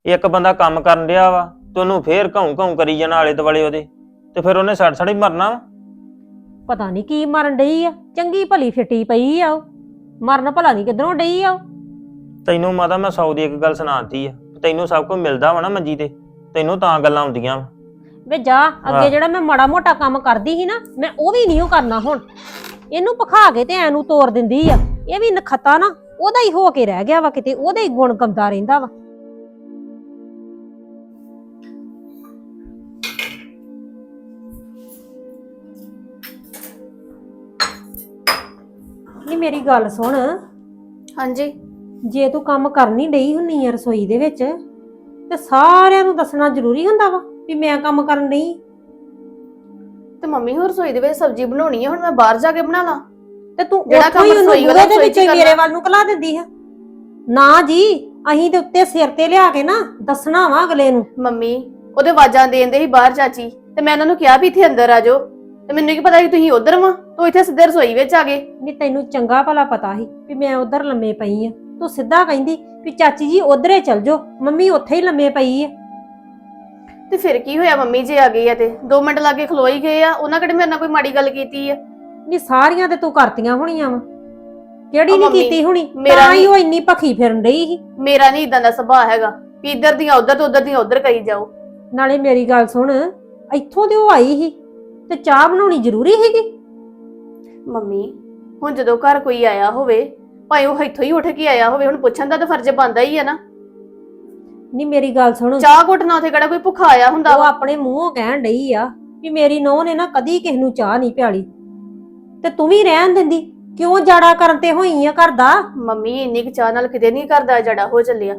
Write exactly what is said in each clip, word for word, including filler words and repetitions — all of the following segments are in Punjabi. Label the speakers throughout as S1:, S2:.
S1: ਇੱਕ ਬੰਦਾ ਕੰਮ ਕਰਨ ਡਿਆ ਵਾ ਤੇ ਉਹਨੂੰ ਫੇਰ ਘਾਉਂ ਘਾਉਂ ਕਰੀ ਜਾਣਾ ਆਲੇ ਦੁਆਲੇ ਉਹਦੇ, ਤੇ ਫਿਰ ਉਹਨੇ ਸੜ ਸੜ ਹੀ ਮਰਨਾ ਵਾ।
S2: ਪਤਾ ਨਹੀਂ ਕੀ ਮਰਨ ਡਈ ਆ, ਚੰਗੀ ਭਲੀ ਫਿੱਟੀ ਪਈ ਆ ਉਹ, ਮਰਨ ਭਲਾ ਨਹੀਂ ਕਿਧਰੋਂ ਡਈ ਆ ਉਹ।
S1: ਤੈਨੂੰ ਮਾਤਾ ਮੈਂ ਸੌ ਦੀ ਇੱਕ ਗੱਲ ਸੁਣਾਤੀ ਆ, ਤੈਨੂੰ ਸਭ ਕੁਝ ਮਿਲਦਾ ਵਾ ਨਾ ਮੰਜੀ ਤੇ, ਤੈਨੂੰ ਤਾਂ ਗੱਲਾਂ ਆਉਂਦੀਆਂ ਵਾ।
S2: ਵੇ ਜਾ ਅੱਗੇ ਜਿਹੜਾ ਮੈਂ ਮਾੜਾ ਮੋਟਾ ਕੰਮ ਕਰਦੀ ਸੀ ਨਾ, ਮੈਂ ਉਹ ਵੀ ਨਹੀਂ ਉਹ ਕਰਨਾ ਹੁਣ। ਇਹਨੂੰ ਭਖਾ ਕੇ ਤੇ ਐਨੂੰ ਤੋੜ ਦਿੰਦੀ ਆ। ਇਹ ਵੀ ਨਖੱਤਾ ਨਾ ਉਹਦਾ ਹੀ ਹੋ ਕੇ ਰਹਿ ਗਿਆ ਵਾ, ਕਿਤੇ ਉਹਦੇ ਹੀ ਗੁਣ ਗੰਦਾ ਰਹਿੰਦਾ ਵਾ। ਨੀ ਮੇਰੀ ਗੱਲ ਸੁਣ।
S3: ਹਾਂਜੀ।
S2: ਜੇ ਤੂੰ ਕੰਮ ਕਰਨੀ ਡਈ ਹੁੰਨੀ ਆ ਰਸੋਈ ਦੇ ਵਿੱਚ, ਤੇ ਸਾਰਿਆਂ ਨੂੰ ਦੱਸਣਾ ਜ਼ਰੂਰੀ ਹੁੰਦਾ ਵਾ ਵੀ ਮੈਂ ਕੰਮ ਕਰਨ ਡਈ।
S3: ਤੇ ਮੰਮੀ ਹੋਰ ਰਸੋਈ ਦੇ ਵਿੱਚ ਸਬਜ਼ੀ ਬਣਾਉਣੀ ਹੈ, ਹੁਣ ਮੈਂ ਬਾਹਰ ਜਾ ਕੇ ਬਣਾ ਲਾਂ?
S2: ਤੇ ਤੂੰ
S3: ਜਿਹੜਾ
S2: ਉੱਥੋਂ ਹੀ
S3: ਕੰਮ
S2: ਉਹਨੂੰ
S3: ਰਸੋਈ
S2: ਬੂਹੇ
S3: ਵਾਲਾ
S2: ਦੇ
S3: ਰਸੋਈ
S2: ਵਿੱਚ
S3: ਚ ਕਰਨਾ।
S2: ਮੇਰੇ ਵੱਲ ਨੂੰ ਕਲਾ ਦਿੰਦੀ ਆ। ਨਾ ਜੀ, ਅਹੀਂ ਤੇ ਉੱਤੇ ਸਿਰ ਤੇ ਲਿਆ ਕੇ ਨਾ ਦੱਸਣਾ ਵਾ ਅਗਲੇ ਨੂੰ।
S3: ਮੰਮੀ ਉਹਦੇ ਆਵਾਜ਼ਾਂ ਦੇਂਦੇ ਸੀ ਬਾਹਰ ਚਾਚੀ, ਤੇ ਮੈਂ ਉਹਨਾਂ ਨੂੰ ਕਿਹਾ ਵੀ ਇੱਥੇ ਅੰਦਰ ਆ ਜਾਓ, ਤੇ ਮੈਨੂੰ ਕੀ ਪਤਾ ਸੀ ਤੁਸੀਂ ਉਧਰ ਵਾਂ, ਤੂੰ ਇੱਥੇ ਸਿੱਧੇ ਰਸੋਈ ਵਿੱਚ ਆ ਗਏ।
S2: ਨਹੀਂ ਤੈਨੂੰ ਚੰਗਾ ਭਲਾ ਪਤਾ ਸੀ ਵੀ ਮੈਂ ਉਧਰ ਲੰਮੇ ਪਈ ਆ, ਤੂੰ ਸਿੱਧਾ ਕਹਿੰਦੀ ਵੀ ਚਾਚੀ ਜੀ ਉਧਰੇ ਚਲ ਜਾਓ, ਮੰਮੀ ਉੱਥੇ ਹੀ ਲੰਮੇ ਪਈ ਆ।
S3: ਤੇ ਫਿਰ ਕੀ ਹੋਇਆ ਮੰਮੀ ਜੇ ਆ ਗਏ ਆ ਤੇ ਦੋ ਮਿੰਟ ਲਾਗੇ ਖਲੋ ਹੀ ਗਏ ਆ, ਉਹਨਾਂ ਕਿਹੜੇ ਮੇਰੇ ਨਾਲ ਕੋਈ ਮਾੜੀ ਗੱਲ ਕੀਤੀ ਆ?
S2: ਨਹੀਂ ਸਾਰੀਆਂ ਤੇ ਤੂੰ ਕਰਤੀਆਂ ਹੋਣੀਆਂ ਵਾ, ਕਿਹੜੀ
S3: ਉਹ
S2: ਨਹੀਂ
S3: ਮੰਮੀ,
S2: ਕੀਤੀ ਹੋਣੀ?
S3: ਮੇਰਾ
S2: ਤਾਂ ਹੀ
S3: ਨੀ-
S2: ਉਹ ਇੰਨੀ ਭਖੀ ਫਿਰਨ ਡਈ ਸੀ।
S3: ਮੇਰਾ ਨਹੀਂ ਇਦਾਂ ਦਾ ਸੁਭਾਅ ਹੈਗਾ ਵੀ ਇੱਧਰ ਦੀਆਂ ਉਧਰ ਤੇ ਉਧਰ ਦੀਆਂ ਉਧਰ ਕਰੀ ਜਾਓ।
S2: ਨਾਲੇ ਮੇਰੀ ਗੱਲ ਸੁਣ, ਇੱਥੋਂ ਤੇ ਉਹ ਆਈ ਸੀ ਤੇ ਚਾਹ ਬਣਾਉਣੀ ਜ਼ਰੂਰੀ ਸੀਗੀ?
S3: ਮੰਮੀ ਹੁਣ ਜਦੋਂ ਘਰ ਕੋਈ ਆਇਆ ਹੋਵੇ, ਭਾਵੇਂ ਉਹ ਇੱਥੋਂ ਹੀ ਉੱਠ ਕੇ ਆਇਆ ਹੋਵੇ, ਹੁਣ ਪੁੱਛਣ ਦਾ ਤਾਂ ਫਰਜ਼ ਬਣਦਾ ਹੀ ਆ ਨਾ।
S2: ਨਹੀਂ ਮੇਰੀ ਗੱਲ ਸੁਣ,
S3: ਚਾਹ ਘੁੱਟਣਾ ਉੱਥੇ ਕਿਹੜਾ ਕੋਈ ਭੁੱਖਾ ਆਇਆ ਹੁੰਦਾ
S2: ਉਹ
S3: ਵਾ?
S2: ਆਪਣੇ ਮੂੰਹੋਂ ਕਹਿਣ ਡਈ ਆ ਵੀ ਮੇਰੀ ਨੂੰਹ ਨੇ ਨਾ ਕਦੀ ਕਿਸ ਨੂੰ ਚਾਹ ਨਹੀਂ ਪਿਆਲੀ, ਤੇ ਤੂੰ ਵੀ ਰਹਿਣ ਦਿੰਦੀ, ਕਿਉਂ ਜਾੜਾ ਕਰਨ ਤੇ ਹੋਈ ਆ ਘਰ ਦਾ?
S3: ਮੰਮੀ ਇੰਨੀ ਕੁ ਚਾਹ ਨਾਲ ਕਿਤੇ ਨਹੀਂ ਕਰਦਾ ਜੜਾ ਹੋ ਚੱਲਿਆ।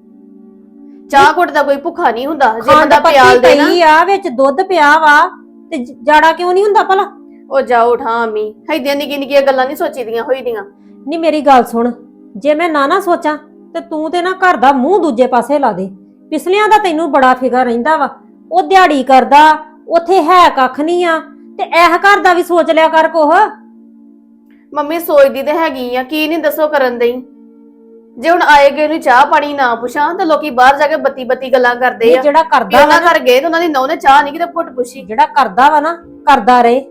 S3: ਚਾਹ ਘੁੱਟ ਦਾ ਕੋਈ ਭੁੱਖਾ ਨਹੀਂ ਹੁੰਦਾ, ਜੇ
S2: ਖੰਡ
S3: ਬੰਦਾ ਪਿਆਲ
S2: ਪੱਤੀ
S3: ਦੇ ਨਾ।
S2: ਪਈ ਆ ਵਿੱਚ, ਦੁੱਧ ਪਿਆ ਵਾ, ਤੇ ਜ- ਜਾੜਾ ਕਿਉਂ ਨਹੀਂ ਹੁੰਦਾ ਭਲਾ?
S3: ਉਹ ਜਾਓ ਠਾਂ ਮੀ ਹੈਦੀਆਂ ਨਿੱਕੀ ਨਿੱਕੀਆਂ ਗੱਲਾਂ ਨਹੀਂ ਸੋਚੀਦੀਆਂ ਹੋਈਆਂ।
S2: ਨਹੀਂ ਮੇਰੀ ਗੱਲ ਸੁਣ, ਜੇ ਮੈਂ ਨਾ ਨਾ ਸੋਚਾਂ ਤੇ ਤੂੰ ਤੇ ਨਾ ਘਰ ਦਾ ਮੂੰਹ ਦੂਜੇ ਪਾਸੇ ਲਾ ਦੇ। ਪਿਛਲਿਆਂ ਦਾ ਤੈਨੂੰ ਬੜਾ ਫਿਕਰ ਰਹਿੰਦਾ ਵਾ, ਉਹ ਦਿਹਾੜੀ ਕਰਦਾ, ਉੱਥੇ ਹੈ ਕੱਖ ਨਹੀਂ ਆ, ਤੇ ਇਹ ਘਰ ਦਾ ਵੀ ਸੋਚ ਲਿਆ ਕਰ ਕੋਹ।
S3: ਮੰਮੀ ਸੋਚਦੀ ਤੇ ਹੈਗੀ ਆ, ਕੀ ਨਹੀਂ ਦੱਸੋ ਕਰਨ ਦਈ। ਜੇ ਹੁਣ ਆਏ ਗਏ ਨੂੰ ਚਾਹ ਪਾਣੀ ਨਾ ਪੁੱਛਾਂ ਤਾਂ ਲੋਕੀ ਬਾਹਰ ਜਾ ਕੇ ਬੱਤੀ ਬੱਤੀ ਗੱਲਾਂ ਕਰਦੇ ਆ।
S2: ਜਿਹੜਾ
S3: ਵੀ
S2: ਕਰਦਾ ਵਾ
S3: ਉਹਨਾਂ
S2: ਨਾ,
S3: ਘਰ ਗਏ ਤੇ ਉਹਨਾਂ ਦੀ ਨੌਂ ਨੇ ਚਾਹ ਨਹੀਂ ਕਿਤੇ ਘੁੱਟ ਪੁੱਛੀ।
S2: ਜਿਹੜਾ ਕਰਦਾ ਵਾ ਨਾ ਕਰਦਾ ਰਹੇ,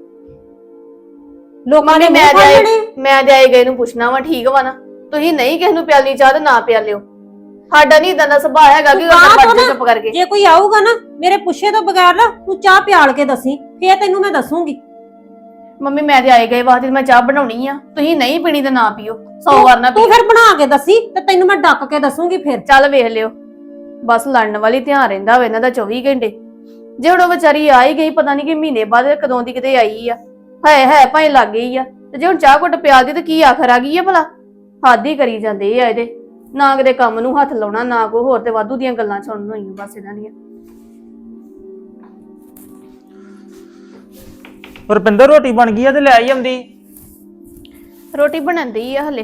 S2: ਲੋਕਾਂ ਨੇ
S3: ਮੈਂ
S2: ਮੂੰਹ
S3: ਤੇ
S2: ਫੜ
S3: ਆਏ
S2: ਲੈਣੇ।
S3: ਮੈਂ ਤੇ ਆਏ ਗਏ ਨੂੰ ਪੁੱਛਣਾ ਵਾ, ਠੀਕ ਵਾ ਨਾ? ਤੁਸੀਂ ਨਹੀਂ ਕਿਸੇ ਨੂੰ ਪਿਆਲਣੀ ਚਾਹ ਤੇ ਨਾ ਪਿਆਲਿਓ। ਸਾਡਾ ਨਹੀਂ ਇਦਾਂ ਦਾ ਸੁਭਾਅ ਹੈਗਾ ਕਿ
S2: ਤੂੰ ਬਾਹਰ
S3: ਉਹਨਾਂ
S2: ਤੋਂ
S3: ਬੱਚੇ
S2: ਨਾ-
S3: ਚੁੱਪ ਕਰਕੇ।
S2: ਜੇ ਕੋਈ ਆਊਗਾ ਨਾ ਮੇਰੇ ਪੁੱਛੇ ਤੋਂ ਬਗੈਰ ਨਾ, ਤੂੰ ਚਾਹ ਪਿਆਲ ਕੇ ਦੱਸੀ, ਫੇਰ ਤੈਨੂੰ ਮੈਂ ਦੱਸੂਗੀ।
S3: ਮੰਮੀ ਮੈਂ ਤੇ ਆਏ ਗਏ ਵਾਸਤੇ ਮੈਂ ਚਾਹ ਬਣਾਉਣੀ ਆ, ਤੁਸੀਂ ਨਹੀਂ ਪੀਣੀ ਤੇ ਨਾ ਪੀਓ, ਸੌ ਵਾਰ ਨਾ
S2: ਤੂੰ
S3: ਪੀਓ।
S2: ਫਿਰ ਬਣਾ ਕੇ ਦੱਸੀ ਤੇ ਤੈਨੂੰ ਮੈਂ ਡੱਕ ਕੇ ਦੱਸੂਗੀ ਫਿਰ।
S3: ਚੱਲ ਵੇਖ ਲਿਓ, ਬਸ ਲੜਨ ਵਾਲੀ ਧਿਆਨ ਰਹਿੰਦਾ ਵਾ ਇਹਨਾਂ ਦਾ ਚੌਵੀ ਘੰਟੇ। ਜੇ ਹੁਣ ਉਹ ਵਿਚਾਰੀ ਆ ਹੀ ਗਈ, ਪਤਾ ਨਹੀਂ ਕਿ ਮਹੀਨੇ ਬਾਅਦ ਕਦੋਂ ਦੀ ਕਿਤੇ ਆਈ ਆ, ਹੈ ਹੈ ਭਾਵੇਂ ਲੱਗ ਗਈ ਆ, ਤੇ ਜੇ ਹੁਣ ਚਾਹ ਘੁੱਟ ਪਿਆਲਦੀ ਤੇ ਕੀ ਆਖਰ ਆ ਗਈ ਆ ਭਲਾ? ਹੱਦ ਹੀ ਕਰੀ ਜਾਂਦੇ ਆ ਇਹਦੇ, ਨਾ ਕਿਤੇ ਕੰਮ ਨੂੰ ਹੱਥ ਲਾਉਣਾ, ਨਾ ਕੋਈ ਹੋਰ, ਤੇ ਵਾਧੂ ਦੀਆਂ ਗੱਲਾਂ ਸੁਣਨ ਹੋਈਆਂ ਬਸ ਇਹਨਾਂ ਦੀਆਂ।
S1: ਰੁਪਿੰਦਰ ਰੋਟੀ ਬਣ ਗਈ ਆ ਤੇ ਲੈ ਆਈ ਆਉਂਦੀ।
S3: ਰੋਟੀ ਬਣਾਉਂਦੀ ਆ ਹਲੇ।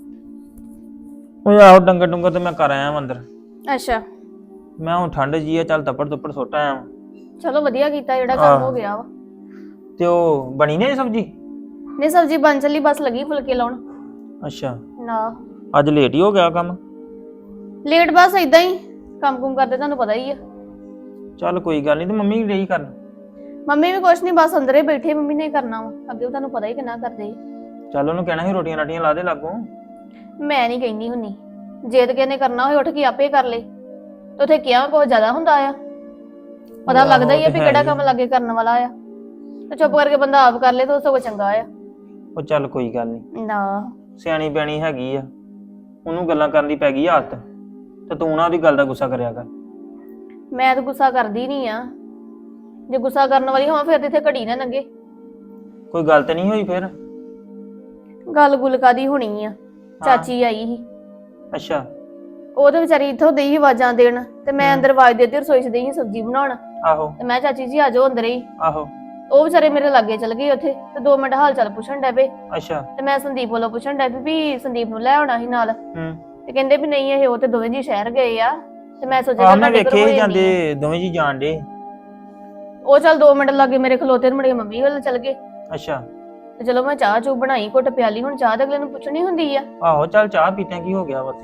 S1: ਓਏ ਆਹੋ, ਡੰਗਰ ਡੁੰਗਰ ਤੇ ਮੈਂ ਕਰ ਆਇਆ ਵਾਂ ਅੰਦਰ।
S3: ਅੱਛਾ
S1: ਮੈਂ ਹੁਣ ਠੰਡ ਜੀ ਆ, ਚੱਲ ਤੱਪੜ ਤੁੱਪੜ ਸੁੱਟ ਆਇਆ ਵਾਂ।
S3: ਚਲੋ ਵਧੀਆ ਕੀਤਾ ਜਿਹੜਾ ਕੰਮ ਹੋ ਗਿਆ ਵਾ।
S1: ਤੇ ਉਹ ਬਣੀ ਨੇ ਸਬਜੀ?
S3: ਨਹੀਂ ਸਬਜ਼ੀ ਬਣ ਚੱਲੀ, ਬਸ ਲੱਗੀ ਫੁਲਕੇ ਲਾਉਣ।
S1: ਅੱਛਾ,
S3: ਨਾ
S1: ਅੱਜ ਲੇਟ ਹੀ ਹੋ ਗਿਆ ਕੰਮ।
S3: ਲੇਟ ਬਸ ਏਦਾਂ ਹੀ ਕੰਮ ਕੁਮ ਕਰਦੇ, ਤੁਹਾਨੂੰ ਪਤਾ ਹੀ ਆ।
S1: ਚੱਲ ਕੋਈ ਗੱਲ ਨਹੀਂ, ਤੇ ਮੰਮੀ ਕੀ ਰਹੀ ਕਰਨ?
S3: ਮੰਮੀ ਵੀ ਕੁਛ ਨਹੀਂ, ਬਸ ਅੰਦਰੇ ਬੈਠੇ, ਮੰਮੀ ਨੇ ਕਰਨਾ ਵਾ, ਅੱਗੇ ਤੁਹਾਨੂੰ ਪਤਾ ਹੀ ਕਿੰਨਾ ਕਰਦੇ ਆ।
S1: ਚੱਲ ਉਹਨੂੰ ਕਹਿਣਾ ਸੀ ਰੋਟੀਆਂ ਰਾਟੀਆਂ ਲਾ ਦੇ ਲਾਗੋਂ।
S3: ਮੈਂ ਨਹੀਂ ਕਹਿੰਦੀ ਹੁੰਨੀ, ਜੇ ਤੇ ਕਿਹਨੇ ਕਰਨਾ ਹੋਏ ਉੱਠ ਕੇ ਆਪੇ ਕਰ ਲੇ, ਤੇ ਉਥੇ ਕਿਹਾ ਕੁਛ ਜ਼ਿਆਦਾ ਹੁੰਦਾ ਆ, ਪਤਾ ਲੱਗਦਾ ਹੀ ਆ ਵੀ ਕਿਹੜਾ ਕੰਮ ਲੱਗੇ ਕਰਨ ਵਾਲਾ ਆ, ਤੇ ਚੁੱਪ ਕਰਕੇ ਬੰਦਾ ਆਪ ਕਰ ਲੇ ਤਾਂ ਸਗੋਂ ਚੰਗਾ ਆ।
S1: ਉਹ ਚੱਲ ਕੋਈ ਗੱਲ ਨਹੀਂ,
S3: ਨਾ
S1: ਸਿਆਣੀ ਬਿਆਣੀ ਹੈਗੀ ਆ, ਉਹਨੂੰ ਗੱਲਾਂ ਕਰਨ ਦੀ ਪੈ ਗਈ ਆਦਤ, ਤੇ ਤੂੰ ਨਾ ਉਹਦੀ ਗੱਲ ਦਾ ਗੁੱਸਾ ਕਰਿਆ ਕਰ।
S3: ਮੈਂ ਤਾਂ ਗੁੱਸਾ ਕਰਦੀ ਨਹੀਂ ਆ, ਜੇ ਗੁੱਸਾ ਕਰਨ ਵਾਲੀ ਹੋਵਾਂ ਫਿਰ ਤੇ ਇੱਥੇ ਘੜੀ ਨਾ ਲੰਗੇ।
S1: ਕੋਈ ਗੱਲ ਤੇ ਨਹੀਂ ਹੋਈ ਫਿਰ?
S3: ਗੱਲ ਗੁੱਲ ਕਾਦੀ ਹੋਣੀ ਆ, ਚਾਚੀ ਆਈ ਸੀ,
S1: ਅੱਛਾ,
S3: ਉਹ ਤੇ ਵਿਚਾਰੀ ਇੱਥੋਂ ਦੇਈ ਸੀ ਆਵਾਜ਼ਾਂ ਦੇਣ, ਤੇ ਮੈਂ ਅੰਦਰ ਆਵਾਜ਼ ਦੇ ਦਿੱਤੀ ਰਸੋਈ ਚ ਦੇਈ ਸੀ ਸਬਜ਼ੀ ਬਣਾਉਣ,
S1: ਆਹੋ
S3: ਤੇ ਮੈਂ ਚਾਚੀ ਜੀ ਆ ਜਾਓ ਅੰਦਰ ਹੀ।
S1: ਆਹੋ,
S3: ਉਹ ਵਿਚਾਰੇ ਮੇਰੇ ਲਾਗੇ ਚਲ ਗਏ ਉੱਥੇ, ਤੇ ਦੋ ਮਿੰਟ ਹਾਲ ਚਾਲ ਪੁੱਛਣ ਡੈ ਪਏ,
S1: ਅੱਛਾ,
S3: ਤੇ ਮੈਂ ਸੰਦੀਪ ਵੱਲੋਂ ਪੁੱਛਣ ਡੈ ਪਈ ਵੀ ਸੰਦੀਪ ਨੂੰ ਲੈ ਆਉਣਾ ਸੀ ਨਾਲ,
S1: ਹੂੰ,
S3: ਤੇ ਕਹਿੰਦੇ ਵੀ ਨਹੀਂ ਇਹ ਉਹ ਤੇ ਦੋਵੇਂ ਜੀ ਸ਼ਹਿਰ ਗਏ ਆ, ਤੇ ਮੈਂ ਸੋਚਿਆ
S1: ਆਹ
S3: ਚੱਲ
S1: ਮੈਂ
S3: ਤੁਹਾਡੇ ਘਰੋਂ
S1: ਵੇਖੇ
S3: ਹੋ ਜਾਂਦੀ
S1: ਜਾਂਦੇ ਦੋਵੇਂ ਜੀ ਜਾਣ ਡੇ।
S3: ਆ। ਉਹ ਚੱਲ ਦੋ ਮਿੰਟ ਲੱਗੇ ਮੇਰੇ ਖਲੋਤੇ ਨੂੰ, ਮੁੜ ਕੇ ਮੰਮੀ ਵੱਲ ਚਲ ਗਏ,
S1: ਅੱਛਾ,
S3: ਤੇ ਚਲੋ ਮੈਂ ਚਾਹ ਚੂ ਬਣਾਈ, ਘੁੱਟ ਪਿਆਲੀ, ਹੁਣ ਚਾਹ ਤੇ ਅਗਲੇ ਨੂੰ ਪੁੱਛਣੀ ਹੁੰਦੀ ਆ।
S1: ਆਹੋ ਚੱਲ ਚਾਹ ਪੀਤਿਆਂ ਕੀ ਹੋ ਗਿਆ ਵਾ ਉੱਥੇ?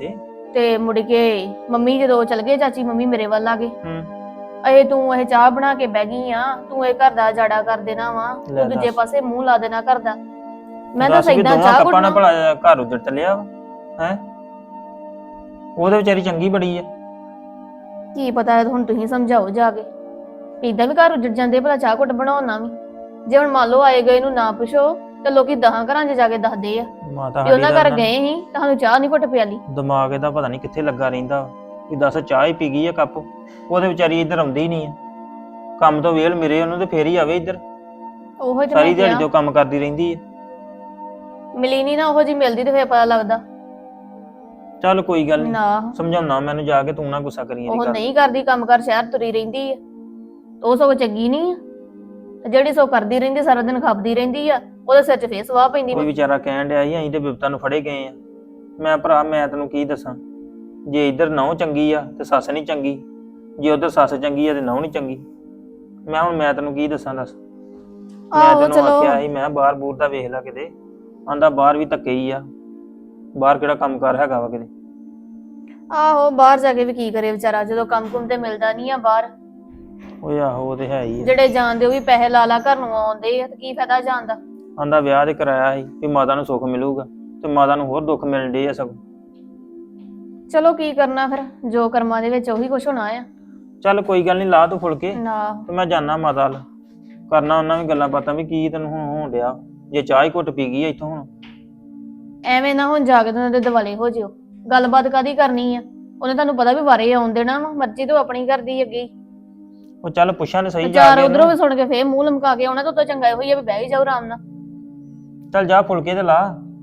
S3: ਤੇ ਮੁੜ ਕੇ ਮੰਮੀ ਜਦੋਂ ਚਲ ਗਏ, ਚਾਚੀ ਮੰਮੀ ਮੇਰੇ ਵੱਲ ਆ ਗਏ।
S1: ਹੂੰ
S3: ਇਹ ਤੂੰ ਇਹ ਚਾਹ ਬਣਾ ਕੇ ਬਹਿ ਗਈ ਆ, ਤੂੰ ਇਹ ਘਰ ਦਾ ਜਾੜਾ ਕਰ ਦੇਣਾ ਵਾ,
S1: ਲੈ
S3: ਤੂੰ ਦੂਜੇ
S1: ਦੱਸ।
S3: ਪਾਸੇ ਮੂੰਹ ਲਾ ਦੇਣਾ ਘਰ ਦਾ। ਮੈਂ ਤਾਂ
S1: ਦੱਸ ਵੀ
S3: ਸੈਦਾਂ
S1: ਦੋਵਾਂ
S3: ਚਾਹ
S1: ਕੱਪਾਂ ਨਾਲ
S3: ਕੁੱਟਣਾ।
S1: ਭਲਾ ਘਰ ਉੱਜੜ ਚੱਲਿਆ ਵਾ ਹੈ। ਉਹਦੇ ਵਿਚਾਰੀ ਚੰਗੀ ਬੜੀ ਆ।
S3: ਕੀ ਪਤਾ ਹੁਣ ਤੁਸੀਂ ਸਮਝਾਓ ਜਾ ਕੇ। ਇਦਾਂ ਵੀ ਘਰ ਉੱਜੜ ਜਾਂਦੇ, ਭਲਾ ਚਾਹ ਕੁੱਟ ਬਣਾਉਣਾ ਵੀ। ਜੇ ਹੁਣ ਮੰਨ ਲਓ ਆਏ ਗਏ ਨੂੰ ਨਾ ਪੁੱਛੋ ਤੇ ਲੋਕੀ ਦਹਾਂ ਘਰਾਂ 'ਚ ਜਾ ਕੇ ਦੱਸਦੇ ਆ
S1: ਮਾਤਾ
S3: ਕਿ ਉਹਨਾਂ
S1: ਸਾਡੀ
S3: ਘਰ
S1: ਦਾ
S3: ਗਏ ਸੀ, ਤੁਹਾਨੂੰ ਚਾਹ ਨਹੀਂ ਘੁੱਟ ਪਿਆਲੀ।
S1: ਦਿਮਾਗ ਇਹਦਾ ਪਤਾ ਨਹੀਂ ਕਿੱਥੇ ਲੱਗਾ ਰਹਿੰਦਾ ਵੀ ਦੱਸ ਚਾਹ ਹੀ ਪੀ ਗਈ ਆ ਕੱਪ। ਉਹਦੇ ਵਿਚਾਰੀ ਇੱਧਰ ਆਉਂਦੀ ਹੀ ਨਹੀਂ ਆ, ਕੰਮ ਤੋਂ ਵੇਲ ਮੇਰੇ ਉਹਨੂੰ ਤੇ ਫੇਰ ਹੀ ਆਵੇ ਇੱਧਰ।
S3: ਉਹੋ ਜਿਹਾ
S1: ਸਾਰੀ ਦਿਹਾੜੀ ਜੋ ਕੰਮ ਕਰਦੀ ਰਹਿੰਦੀ ਆ।
S3: ਮਿਲੀ ਨਹੀਂ ਨਾ ਉਹੋ ਜੀ, ਮਿਲਦੀ ਤੇ ਫੇਰ ਪਤਾ ਲੱਗਦਾ।
S1: ਚੱਲ ਕੋਈ ਗੱਲ ਨਹੀਂ,
S3: ਨਾ
S1: ਸਮਝਾਉਣਾ ਮੈਨੂੰ ਜਾ ਕੇ, ਤੂੰ ਨਾ ਗੁੱਸਾ ਕਰੀ ਇਹਦੀ
S3: ਉਹ
S1: ਗੱਲ।
S3: ਨਹੀਂ ਕਰਦੀ ਕੰਮ ਕਰ, ਸ਼ਹਿਰ ਤੁਰੀ ਰਹਿੰਦੀ ਆ। ਉਹ ਸਗੋਂ ਚੰਗੀ ਨਹੀਂ ਆ, ਤੇ ਜਿਹੜੀ ਸੋ ਕਰਦੀ ਰਹਿੰਦੀ ਸਾਰਾ ਦਿਨ ਖਾਪਦੀ ਰਹਿੰਦੀ ਆ, ਉਹਦੇ ਸਿਰ 'ਚ ਫੇਰ ਸਵਾਹ ਪੈਂਦੀ।
S1: ਕੋਈ ਵਿਚਾਰਾ ਕਹਿਣ ਡਿਆ ਸੀ ਅਸੀਂ ਤੇ ਬਿਪਤਾ ਨੂੰ ਫੜੇ ਗਏ ਆ। ਮੈਂ ਭਰਾ ਮੈਂ ਤੈਨੂੰ ਕੀ ਦੱਸਾਂ, ਜੇ ਇੱਧਰ ਨਹੁੰ ਚੰਗੀ ਆ ਤੇ ਸੱਸ ਨਹੀਂ ਚੰਗੀ, ਜੇ ਉਧਰ ਸੱਸ ਚੰਗੀ ਆ ਤੇ ਨਹੁੰ ਨਹੀਂ ਚੰਗੀ। ਮੈਂ ਹੁਣ ਮੈਂ ਤੈਨੂੰ ਕੀ ਦੱਸਾਂ ਦੱਸ। ਮੈਂ
S3: ਆਹੋ
S1: ਤੈਨੂੰ
S3: ਚਲੋ
S1: ਆਖਿਆ ਸੀ ਮੈਂ ਬਾਹਰ ਬੂਰ ਦਾ ਵੇਖ ਲੈ ਕਿਤੇ, ਆਂਦਾ ਬਾਹਰ ਵੀ ਧੱਕੇ ਹੀ ਆ, ਬਾਹਰ ਕਿਹੜਾ ਕੰਮਕਾਰ ਹੈਗਾ ਵਾ ਕਿਤੇ।
S3: ਆਹੋ ਬਾਹਰ ਜਾ ਕੇ ਵੀ ਕੀ ਕਰੇ ਵਿਚਾਰਾ, ਜਦੋਂ ਕੰਮ ਕੁੰਮ ਤੇ ਮਿਲਦਾ ਨਹੀਂ ਆ ਬਾਹਰ।
S1: ਓਏ ਆਹੋ ਉਹ ਤੇ ਹੈ ਹੀ ਆ।
S3: ਜਿਹੜੇ ਜਾਣਦੇ ਉਹ ਵੀ ਪੈਸੇ ਲਾ ਲਾ ਘਰ ਨੂੰ ਆਉਂਦੇ ਆ, ਤੇ ਕੀ ਫਾਇਦਾ ਜਾਣ ਦਾ।
S1: ਆਂਦਾ ਵਿਆਹ ਤੇ ਕਰਾਇਆ ਸੀ ਵੀ ਮਾਤਾ ਨੂੰ ਸੁੱਖ ਮਿਲੂਗਾ, ਤੇ ਮਾਤਾ ਨੂੰ ਹੋਰ ਦੁੱਖ ਮਿਲਣ ਡੇ ਆ ਸਗੋਂ।
S3: ਚਲੋ ਕੀ ਕਰਨਾ ਫਿਰ, ਜੋ ਕਰਮਾਂ ਦੇ ਵਿੱਚ ਉਹੀ ਕੁਛ ਹੋਣਾ ਆ।
S1: ਚੱਲ ਕੋਈ ਗੱਲ ਨਹੀਂ, ਲਾ ਤੂੰ ਫੁਲਕੇ
S3: ਨਾ
S1: ਤੇ ਮੈਂ ਜਾਣਾ ਮਾਤਾ ਵੱਲ, ਕਰਨਾ ਉਹਨਾਂ ਵੀ ਗੱਲਾਂ ਬਾਤਾਂ ਵੀ ਕੀ ਤੈਨੂੰ ਹੁਣ ਹੋਣ ਡਿਆ। ਜੇ ਚਾਹ ਹੀ ਘੁੱਟ ਪੀ ਗਈ ਇੱਥੋਂ ਹੁਣ।
S3: ਐਵੇਂ ਨਾ ਹੁਣ ਜਾ ਕੇ ਉਹਨਾਂ ਦੇ ਦਿਵਾਲੇ ਹੋ ਜਿਓ। ਗੱਲਬਾਤ ਕਾਦੀ ਕਰਨੀ ਆ, ਉਹਨੇ ਤੁਹਾਨੂੰ ਪਤਾ ਵੀ ਵਾਰੇ ਆਉਣ ਦੇਣਾ ਵਾ, ਮਰਜ਼ੀ ਤੋਂ ਆਪਣੀ ਕਰਦੀ ਅੱਗੇ।
S1: ਉਹ ਚੱਲ ਪੁੱਛਾਂ ਤੇ ਸਹੀ ਜਾ
S3: ਚਾਰ
S1: ਕੇ
S3: ਉਧਰੋਂ ਵੀ
S1: ਇਹਨੂੰ।
S3: ਸੁਣ ਕੇ ਫੇਰ ਮੂੰਹ ਲਮਕਾ ਕੇ ਆਉਣਾ, ਤਾਂ ਉਤੋਂ ਚੰਗਾ ਹੋਈ ਆ ਵੀ ਬਹਿ ਹੀ ਜਾਓ ਆਰਾਮ ਨਾਲ।
S1: ਚੱਲ ਜਾ ਫੁਲਕੇ ਤੇ ਲਾ।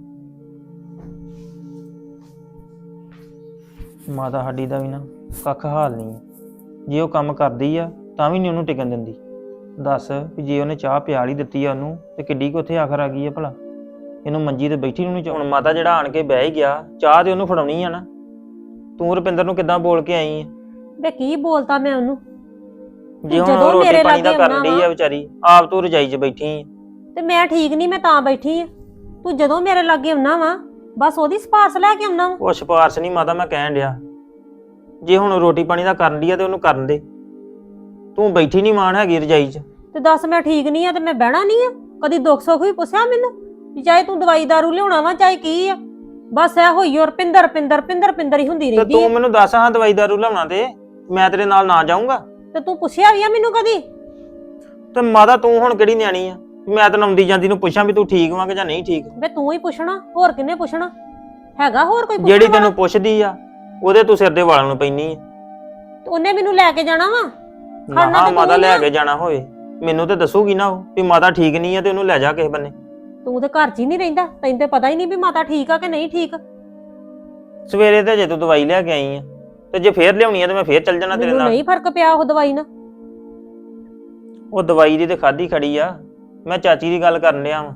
S1: ਮਾਤਾ ਸਾਡੀ ਦਾ ਵੀ ਨਾ ਕੱਖ ਹਾਲ ਨਹੀਂ ਹੈ। ਜੇ ਉਹ ਕੰਮ ਕਰਦੀ ਆ ਤਾਂ ਵੀ ਨਹੀਂ ਉਹਨੂੰ ਟਿਕਣ ਦਿੰਦੀ। ਦੱਸ ਵੀ ਜੇ ਉਹਨੇ ਚਾਹ ਪਿਆਲ ਹੀ ਦਿੱਤੀ ਆ ਉਹਨੂੰ ਤੇ ਕਿੱਡੀ ਕੁ ਉੱਥੇ ਆਖਰ ਆ ਗਈ ਆ ਭਲਾ। ਇਹਨੂੰ ਮੰਜੀ ਤੇ ਬੈਠੀ ਨੂੰ ਨਹੀਂ। ਹੁਣ ਮਾਤਾ ਜਿਹੜਾ ਆਣ ਕੇ ਬਹਿ ਹੀ ਗਿਆ, ਚਾਹ ਤੇ ਉਹਨੂੰ ਫੜਾਉਣੀ ਆ ਨਾ। ਤੂੰ ਰੁਪਿੰਦਰ ਨੂੰ ਕਿੱਦਾਂ ਬੋਲ ਕੇ ਆਈ ਆ?
S2: ਵੇ ਕੀ ਬੋਲਤਾ ਮੈਂ ਉਹਨੂੰ?
S1: ਜੇ ਹੁਣ
S2: ਜਦੋਂ
S1: ਉਹ ਰੋਟੀ
S2: ਮੇਰੇ
S1: ਪਾਣੀ ਦਾ
S2: ਲਾਗੇ
S1: ਕਰਨ
S2: ਆਉਣਾ
S1: ਡਈ ਆ ਵਿਚਾਰੀ, ਆਪ ਤੂੰ ਰਜਾਈ 'ਚ ਬੈਠੀ ਆ।
S2: ਤੇ ਮੈਂ ਠੀਕ ਨਹੀਂ, ਮੈਂ ਤਾਂ ਬੈਠੀ ਆ। ਤੂੰ ਜਦੋਂ ਮੇਰੇ ਲਾਗੇ ਆਉਣਾ ਵਾ ਬਸ ਉਹਦੀ ਸਪਾਰਸ ਲੈ ਕੇ ਆਉਣਾ ਵਾ।
S1: ਉਹ ਸਿਫਾਰਸ਼ ਨਹੀਂ ਮਾਤਾ ਮੈਂ ਕਹਿਣ ਡਿਆ, ਜੇ ਹੁਣ ਰੋਟੀ ਪਾਣੀ ਦਾ ਕਰਨ ਡਈ ਆ ਤੇ ਉਹਨੂੰ ਕਰਨ ਦੇ। ਤੂੰ ਬੈਠੀ ਨਹੀਂ ਮਾਣ ਹੈਗੀ ਰਜਾਈ 'ਚ।
S2: ਤੇ ਦੱਸ ਮੈਂ ਠੀਕ ਨਹੀਂ ਆ ਤੇ ਮੈਂ ਬਹਿਣਾ ਨਹੀਂ ਆ? ਕਦੀ ਦੁੱਖ ਸੁੱਖ ਵੀ ਪੁੱਛਿਆ ਮੈਨੂੰ ਵੀ ਚਾਹੇ ਤੂੰ ਦਵਾਈ ਦਾਰੂ ਲਿਆਉਣਾ ਵਾ ਚਾਹੇ ਕੀ ਆ? ਬਸ ਇਹ ਹੋਈ ਔਰ ਪਿੰਦਰ ਪਿੰਦਰ ਪਿੰਦਰ ਪਿੰਦਰ ਹੀ ਹੁੰਦੀ
S1: ਤੇ
S2: ਰਹਿੰਦੀ
S1: ਤੂੰ
S2: ਆ।
S1: ਮੈਨੂੰ ਦੱਸ ਹਾਂ ਦਵਾਈ ਦਾਰੂ ਲਿਆਉਣਾ ਤੇ ਮੈਂ ਤੇਰੇ ਨਾਲ ਨਾ ਜਾਊਂਗਾ?
S2: ਤੇ ਤੂੰ ਪੁੱਛਿਆ ਵੀ ਆ ਮੈਨੂੰ ਕਦੀ?
S1: ਤੇ ਮਾਤਾ ਤੂੰ ਹੁਣ ਕਿਹੜੀ ਨਿਆਣੀ ਆ ਮੈਂ ਤੈਨੂੰ ਆਉਂਦੀ ਜਾਂਦੀ ਨੂੰ ਪੁੱਛਾਂ ਵੀ ਤੂੰ ਠੀਕ ਵਾਂ ਕਿ ਜਾਂ ਨਹੀਂ ਠੀਕ?
S2: ਵੇ ਤੂੰ ਹੀ ਪੁੱਛਣਾ, ਹੋਰ ਕਿੰਨੇ ਪੁੱਛਣਾ ਹੈਗਾ? ਹੋਰ ਕੋਈ ਪੁੱਛਣ
S1: ਜਿਹੜੀ
S2: ਵਾਲਾ?
S1: ਤੈਨੂੰ ਪੁੱਛਦੀ ਆ ਉਹਦੇ ਤੂੰ ਸਿਰ ਦੇ ਵਾਲਾਂ ਨੂੰ ਪੈਣੀ ਆ।
S2: ਤੇ ਉਹਨੇ ਮੈਨੂੰ ਲੈ ਕੇ ਜਾਣਾ ਵਾ। ਖੜਨਾ
S1: ਨਾ
S2: ਤੇ
S1: ਮਾਤਾ
S2: ਤੂੰ ਹੀ
S1: ਲੈ
S2: ਆ।
S1: ਕੇ ਜਾਣਾ ਹੋਏ ਮੈਨੂੰ ਤੇ ਦੱਸੂਗੀ ਨਾ ਉਹ ਵੀ ਮਾਤਾ ਠੀਕ ਨਹੀਂ ਆ ਤੇ ਉਹਨੂੰ ਲੈ ਜਾ ਕਿਸੇ ਬੰਨੇ।
S2: ਤੂੰ ਤੇ ਘਰ 'ਚ ਹੀ ਨਹੀਂ ਰਹਿੰਦਾ, ਤੈਨੂੰ ਤੇ ਪਤਾ ਹੀ ਨਹੀਂ ਵੀ ਮਾਤਾ ਠੀਕ ਆ ਕਿ ਨਹੀਂ ਠੀਕ।
S1: ਸਵੇਰੇ ਤੇ ਜੇ ਤੂੰ ਦਵਾਈ ਲੈ ਕੇ ਆਈ ਆ ਤੇ ਜੇ ਫੇਰ ਲਿਆਉਣੀ ਆ ਤੇ ਮੈਂ ਫੇਰ ਚੱਲ ਜਾਣਾ ਤੇਰੇ
S2: ਮੈਨੂੰ
S1: ਨਾਲ।
S2: ਨਹੀਂ ਫਰਕ ਪਿਆ ਉਹ ਦਵਾਈ ਨਾਲ।
S1: ਉਹ ਦਵਾਈ ਦੀ ਤੇ ਖਾਦੀ ਖੜੀ ਆ, ਮੈਂ ਚਾਚੀ ਦੀ ਗੱਲ ਕਰਨ ਡਿਆ ਵਾਂ।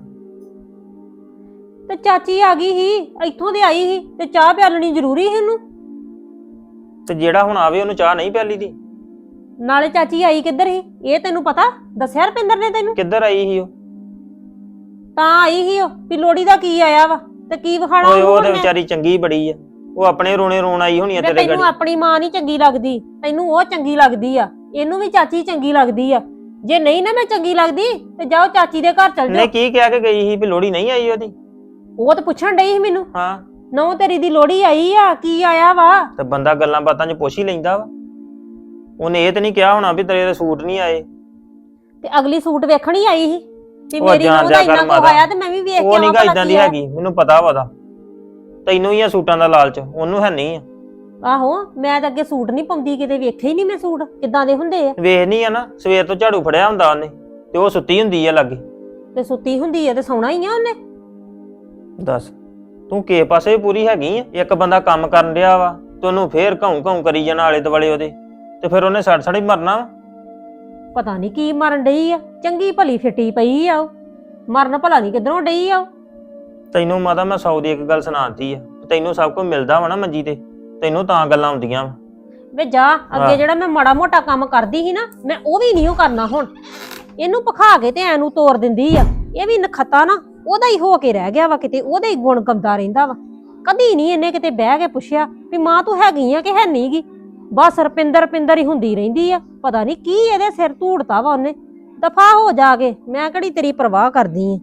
S2: ਤੇ ਚਾਚੀ ਆ ਗਈ ਸੀ, ਇੱਥੋਂ ਦੇ ਆਈ ਸੀ ਤੇ ਚਾਹ ਪਿਆਲਣੀ ਜ਼ਰੂਰੀ ਸੀ ਉਹਨੂੰ।
S1: ਤੇ ਜਿਹੜਾ ਹੁਣ ਆਵੇ ਉਹਨੂੰ ਚਾਹ ਨਹੀਂ ਪਿਆਲੀ ਦੀ?
S2: ਨਾਲੇ ਚਾਚੀ ਆਈ ਕਿੱਧਰ ਸੀ ਇਹ ਤੈਨੂੰ ਪਤਾ? ਦੱਸਿਆ ਰਪਿੰਦਰ ਨੇ ਤੈਨੂੰ?
S1: ਕਿੱਧਰ ਆਈ ਸੀ ਉਹ?
S2: ਤਾਂ ਆਈ ਸੀ ਉਹ ਵੀ ਲੋੜੀ ਦਾ ਕੀ ਆਇਆ ਵਾ ਤੇ ਕੀ ਵਿਖਾਣਾ
S1: ਓਏ
S2: ਉਹਨੂੰ
S1: ਉਹ ਤੇ
S2: ਹੁਣ ਮੈਂ।
S1: ਵਿਚਾਰੀ ਚੰਗੀ ਬੜੀ ਆ, ਉਹ ਆਪਣੇ ਰੋਣੇ ਰੋਣ ਆਈ ਹੋਣੀ ਆ
S2: ਵੇ
S1: ਤੇਰੇ
S2: ਤੈਨੂੰ
S1: ਗੜੀ।
S2: ਆਪਣੀ ਮਾਂ ਨਹੀਂ ਚੰਗੀ ਲੱਗਦੀ, ਤੈਨੂੰ ਉਹ ਚੰਗੀ ਲੱਗਦੀ ਆ। ਇਹਨੂੰ ਵੀ ਚਾਚੀ ਚੰਗੀ ਲੱਗਦੀ ਆ। ਜੇ ਨਹੀਂ ਨਾ ਮੈਂ ਚੰਗੀ ਲੱਗਦੀ ਤੇ ਜਾਓ ਚਾਚੀ ਦੇ ਘਰ ਚਲ
S1: ਨੇ
S2: ਜਾਓ।
S1: ਕੀ ਕਹਿ ਕੇ ਗਈ ਸੀ ਵੀ ਲੋੜੀ ਨਹੀਂ ਆਈ ਉਹਦੀ?
S2: ਉਹ ਤਾਂ ਪੁੱਛਣ ਡਈ ਸੀ ਮੈਨੂੰ,
S1: ਹਾਂ
S2: ਨੌ ਤੇਰੀ ਦੀ ਲੋੜੀ ਆਈ ਆ, ਕੀ ਆਇਆ ਵਾ?
S1: ਤੇ ਬੰਦਾ ਗੱਲਾਂ ਬਾਤਾਂ 'ਚ ਪੁੱਛ ਹੀ ਲੈਂਦਾ ਵਾ। ਉਹਨੇ ਇਹ ਤੇ ਨਹੀਂ ਕਿਹਾ ਹੋਣਾ ਵੀ ਤੇਰੇ ਸੂਟ ਨਹੀਂ ਆਏ।
S2: ਤੇ ਅਗਲੀ ਸੂਟ ਵੇਖਣ ਹੀ ਆਈ ਸੀ ਕਿ
S1: ਉਹ
S2: ਮੇਰੀ
S1: ਜਾਣ
S2: ਨੌ ਦਾ
S1: ਦਿਆ ਕਰ
S2: ਇੰਨਾ ਕੁ
S1: ਮਾਤਾ।
S2: ਆਇਆ ਤੇ ਮੈਂ ਵੀ ਵੇਖ ਕੇ
S1: ਉਹ ਨੀ ਗਾ
S2: ਆਵਾਂ
S1: ਇਦਾਂ ਦੀ ਹੈਗੀ, ਮੈਨੂੰ ਪਤਾ ਵਾ ਉਹਦਾ। ਤੈਨੂੰ ਹੀ ਆ ਸੂਟਾਂ ਦਾ ਲਾਲਚ, ਉਹਨੂੰ ਹੈ ਨਹੀਂ ਆ।
S2: ਆਹੋ ਮੈਂ ਤਾਂ ਅੱਗੇ ਸੂਟ ਨਹੀਂ ਪਾਉਂਦੀ, ਕਿਤੇ ਵੇਖੇ ਹੀ ਨਹੀਂ ਮੈਂ ਸੂਟ ਕਿੱਦਾਂ ਦੇ ਹੁੰਦੇ ਆ।
S1: ਵੇਖ ਨਹੀਂ ਆ ਨਾ, ਸਵੇਰ ਤੋਂ ਝਾੜੂ ਫੜਿਆ ਹੁੰਦਾ ਉਹਨੇ ਤੇ ਉਹ ਸੁੱਤੀ ਹੁੰਦੀ ਆ ਲਾਗੇ।
S2: ਤੇ ਸੁੱਤੀ ਹੁੰਦੀ ਆ ਤੇ ਸੌਣਾ ਹੀ ਆ ਉਹਨੇ।
S1: ਦੱਸ ਤੂੰ ਕਿਸੇ ਪਾਸੇ ਵੀ ਪੂਰੀ ਹੈਗੀ ਆ? ਇੱਕ ਬੰਦਾ ਕੰਮ ਕਰਨ ਡਿਆ ਵਾ ਤੇ ਉਹਨੂੰ ਫੇਰ ਘਾਉ ਘਾਉ ਕਰੀ ਜਾਣਾ ਆਲੇ ਦੁਆਲੇ ਉਹਦੇ, ਤੇ ਫਿਰ ਉਹਨੇ ਸੜ ਸੜ ਹੀ ਮਰਨਾ ਵਾ।
S2: ਪਤਾ ਨਹੀਂ ਕੀ ਮਰਨ ਡਈ ਆ, ਚੰਗੀ ਭਲੀ ਫਿੱਟੀ ਪਈ ਆ ਉਹ, ਮਰਨ ਭਲਾ ਨਹੀਂ ਕਿਧਰੋਂ ਡਈ ਆ ਉਹ।
S1: ਤੈਨੂੰ ਮਾਤਾ ਮੈਂ ਸੌ ਦੀ ਇੱਕ ਗੱਲ ਸੁਣਾਤੀ ਆ, ਤੈਨੂੰ ਸਭ ਕੁਝ ਮਿਲਦਾ ਵਾ ਨਾ ਮੰਜੀ ਤੇ, ਤੈਨੂੰ ਤਾਂ ਗੱਲਾਂ ਆਉਂਦੀਆਂ ਵਾ।
S2: ਵੇ ਜਾ ਅੱਗੇ
S1: ਹਾਂ।
S2: ਜਿਹੜਾ ਮੈਂ ਮਾੜਾ ਮੋਟਾ ਕੰਮ ਕਰਦੀ ਸੀ ਨਾ, ਮੈਂ ਉਹ ਵੀ ਨਹੀਂ ਉਹ ਕਰਨਾ ਹੁਣ। ਇਹਨੂੰ ਭਖਾ ਕੇ ਤੇ ਐਨੂੰ ਤੋੜ ਦਿੰਦੀ ਆ। ਇਹ ਵੀ ਨਖੱਤਾ ਨਾ ਉਹਦਾ ਹੀ ਹੋ ਕੇ ਰਹਿ ਗਿਆ ਵਾ, ਕਿਤੇ ਉਹਦਾ ਹੀ ਗੁਣ ਗੰਦਾ ਰਹਿੰਦਾ ਵਾ। ਕਦੀ ਨਹੀਂ ਇਹਨੇ ਕਿਤੇ ਬਹਿ ਕੇ ਪੁੱਛਿਆ ਵੀ ਮਾਂ ਤੂੰ ਹੈਗੀ ਆ ਕਿ ਹੈ ਨਹੀਂਗੀ। ਬਸ ਰਪਿੰਦਰ ਰਪਿੰਦਰ ਹੀ ਹੁੰਦੀ ਰਹਿੰਦੀ ਆ। ਪਤਾ ਨਹੀਂ ਕੀ ਇਹਦੇ ਸਿਰ ਧੂੜਤਾ ਵਾ ਉਹਨੇ। ਦਫਾ ਹੋ ਜਾ ਕੇ, ਮੈਂ ਕਿਹੜੀ ਤੇਰੀ ਪਰਵਾਹ ਕਰਦੀ ਆ।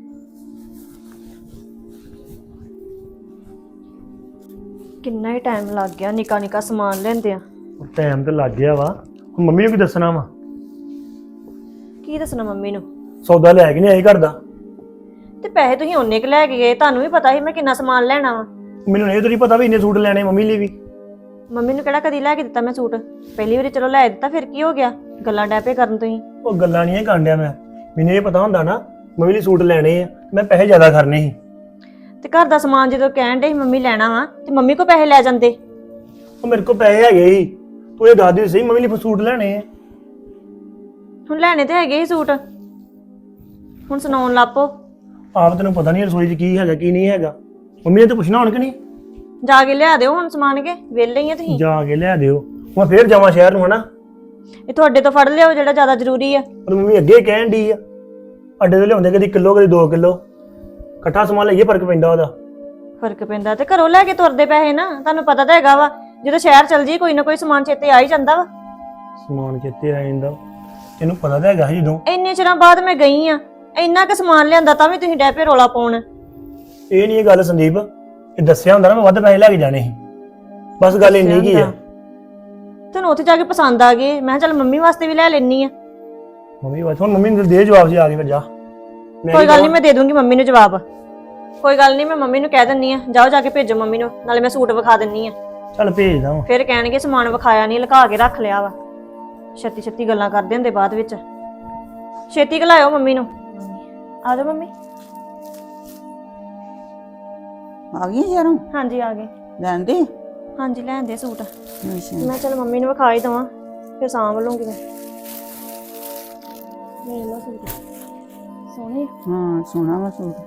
S4: ਕਿੰਨਾ ਹੀ ਟਾਈਮ ਲੱਗ ਗਿਆ ਨਿੱਕਾ ਨਿੱਕਾ ਸਮਾਨ ਲੈਂਦੇ ਆ।
S5: ਟਾਈਮ ਤੇ ਲੱਗ ਗਿਆ ਵਾ। ਹੁਣ ਮੰਮੀ ਨੂੰ ਕੀ ਦੱਸਣਾ ਵਾ?
S4: ਕੀ ਦੱਸਣਾ ਮੰਮੀ ਨੂੰ?
S5: ਸੌਦਾ ਲੈ ਕੇ ਨਹੀਂ ਆਈ ਘਰ ਦਾ।
S4: ਤੇ ਪੈਸੇ ਤੁਸੀਂ ਉਹਨੇ ਕ ਲੈ ਕੇ ਗਏ, ਤੁਹਾਨੂੰ ਵੀ ਪਤਾ ਸੀ ਮੈਂ ਕਿੰਨਾ ਸਮਾਨ ਲੈਣਾ ਵਾ।
S5: ਮੈਨੂੰ ਇਹ ਤਾਂ ਨਹੀਂ ਪਤਾ ਵੀ ਇੰਨੇ ਸੂਟ ਲੈਣੇ ਮੰਮੀ ਲਈ ਵੀ।
S4: ਮੰਮੀ ਨੂੰ ਕਿਹੜਾ ਕਦੀ ਲੈ ਕੇ ਦਿੱਤਾ ਮੈਂ ਸੂਟ? ਪਹਿਲੀ ਵਾਰੀ ਚਲੋ ਲੈ ਦਿੱਤਾ, ਫਿਰ ਕੀ ਹੋ ਗਿਆ? ਗੱਲਾਂ ਡੈਪੇ ਕਰਨ ਤੁਸੀਂ।
S5: ਉਹ ਗੱਲਾਂ ਨਹੀਂ ਕਾਂਡਿਆ ਮੈਂ। ਮੈਨੂੰ ਇਹ ਪਤਾ ਹੁੰਦਾ ਨਾ ਮੰਮੀ ਲਈ ਸੂਟ ਲੈਣੇ ਆ, ਮੈਂ ਪੈਸੇ ਜ਼ਿਆਦਾ ਖਰਨੇ ਸੀ।
S4: ਤੇ ਘਰ ਦਾ ਸਮਾਨ ਜਦੋਂ ਕਹਿਣ ਦੇ ਸੀ ਮੰਮੀ ਲੈਣਾ ਵਾ, ਤੇ ਮੰਮੀ ਕੋ ਪੈਸੇ ਲੈ ਜਾਂਦੇ।
S5: ਉਹ ਮੇਰੇ ਕੋਲ ਪੈਸੇ ਹੈਗੇ ਸੀ, ਤੂੰ ਇਹ ਦੱਸ ਦੇ ਸਹੀ ਮੰਮੀ ਲਈ ਸੂਟ ਲੈਣੇ ਆ।
S4: ਹੁਣ ਲੈਣੇ ਤੇ ਹੈਗੇ ਹੀ ਸੂਟ, ਹੁਣ ਸੁਣਾਉਣ ਲੱਪੋ।
S5: ਆਪ ਤੈਨੂੰ ਪਤਾ ਨਹੀਂ ਰਸੋਈ 'ਚ ਕੀ ਹੈਗਾ ਕੀ ਨਹੀਂ ਹੈਗਾ। ਮੰਮੀ ਨੇ ਤਾਂ ਪੁੱਛਣਾ ਹੁਣ ਕਿ ਨਹੀਂ?
S4: ਜਾ ਕੇ ਲਿਆ ਦਿਓ ਹੁਣ ਸਮਾਨ ਕੇ, ਵਿਹਲੇ ਹੀ ਆ ਤੁਸੀਂ।
S5: ਜਾ ਕੇ ਲਿਆ ਦਿਓ। ਮੈਂ ਫੇਰ ਜਾਵਾਂ ਸ਼ਹਿਰ ਨੂੰ ਹਨਾ।
S4: ਇਹ ਤੁਹਾਡੇ ਤੋਂ ਫੜ ਲਿਓ ਜਿਹੜਾ ਜ਼ਿਆਦਾ ਜ਼ਰੂਰੀ ਆ।
S5: ਪਰ ਮੰਮੀ ਅੱਗੇ ਕਹਿਣ ਡਈ ਆ ਅੱਡੇ ਤੋਂ ਲਿਆਉਂਦੇ ਕਦੀ ਕਿਲੋ ਕਦੀ ਦੋ ਕਿਲੋ ਇਕੱਠਾ ਸਮਾਨ ਲਈਏ, ਫਰਕ ਪੈਂਦਾ ਉਹਦਾ।
S4: ਫਰਕ ਪੈਂਦਾ ਤੇ ਘਰੋਂ ਲੈ ਕੇ ਤੁਰਦੇ ਪੈਸੇ ਨਾ, ਤੁਹਾਨੂੰ ਪਤਾ ਤਾਂ ਹੈਗਾ ਵਾ ਜਦੋਂ ਸ਼ਹਿਰ ਚਲ ਜੀ ਕੋਈ ਨਾ ਕੋਈ ਸਮਾਨ ਚੇਤੇ ਆ ਹੀ ਜਾਂਦਾ ਵਾ।
S5: ਸਮਾਨ ਚੇਤੇ ਆ ਜਾਂਦਾ, ਇਹਨੂੰ ਪਤਾ ਤਾਂ ਹੈਗਾ ਸੀ ਜਦੋਂ।
S4: ਇੰਨੇ ਚਿਰਾਂ ਬਾਅਦ ਮੈਂ ਗਈ ਆ, ਇੰਨਾ ਕੁ ਸਮਾਨ ਲਿਆਂਦਾ ਤਾਂ ਵੀ ਤੁਸੀਂ ਡੈਪੇ ਰੋਲਾ ਪਾਉਣ।
S5: ਇਹ ਨਹੀਂ ਇਹ ਗੱਲ ਸੰਦੀਪ, ਇਹ ਦੱਸਿਆ ਹੁੰਦਾ ਨਾ ਮੈਂ ਵੱਧ ਪੈਸੇ ਲੈ ਕੇ ਜਾਣੇ ਸੀ। ਬਸ ਗੱਲ ਇੰਨੀ ਕੀ ਆ।
S4: ਤੁਹਾਨੂੰ ਉੱਥੇ ਜਾ ਕੇ ਪਸੰਦ ਆ ਗਏ, ਮੈਂ ਕਿਹਾ ਚੱਲ ਮੰਮੀ ਵਾਸਤੇ ਵੀ ਲੈ ਲੈਣੀ ਆ।
S5: ਮੰਮੀ ਬਾਤ ਹੁਣ ਮੰਮੀ ਨੂੰ ਦੇ ਜਵਾਬ ਜੀ ਆ ਕੇ ਫਿਰ ਜਾ।
S4: ਕੋਈ ਗੱਲ ਨਹੀਂ, ਮੈਂ ਦੇ ਦੂੰਗੀ ਮੰਮੀ ਨੂੰ ਜਵਾਬ। ਕੋਈ ਗੱਲ ਨਹੀਂ, ਮੈਂ ਮੰਮੀ ਨੂੰ ਕਹਿ ਦਿੰਨੀ ਆ, ਜਾਓ ਜਾ ਕੇ ਭੇਜੋ ਮੰਮੀ ਨੂੰ, ਨਾਲੇ ਮੈਂ ਸੂਟ ਵਿਖਾ ਦਿੰਨੀ ਆ।
S5: ਚੱਲ ਭੇਜਦਾ ਵਾਂ।
S4: ਫਿਰ ਕਹਿਣਗੇ ਸਮਾਨ ਵਿਖਾਇਆ ਨਹੀਂ, ਲੁਕਾ ਕੇ ਰੱਖ ਲਿਆ ਵਾ। ਛੇਤੀ ਛੇਤੀ ਗੱਲਾਂ ਕਰਦੇ ਹੁੰਦੇ ਬਾਅਦ ਵਿੱਚ। ਛੇਤੀ ਘਲਾਇਓ ਮੰਮੀ ਨੂੰ। ਆ ਜਾਓ ਮੰਮੀ।
S6: ਆ ਗਈ ਯਾਰੋਂ?
S4: ਹਾਂਜੀ ਆ ਗਏ।
S6: ਲੈਣ ਦੇ?
S4: ਹਾਂਜੀ ਲੈਣ ਦੇ ਸੂਟ।
S6: ਅੱਛਾ
S4: ਮੈਂ ਚਲ ਮੰਮੀ ਨੂੰ ਵਿਖਾ ਹੀ ਦਵਾਂ, ਫਿਰ ਸਾਂਭ ਲੂੰਗੀ ਮੈਂ। ਲੈ ਲਓ ਸੂਟ, ਸੋਹਣੇ।
S6: ਹਾਂ ਸੋਹਣਾ ਵਾ ਸੂਟ।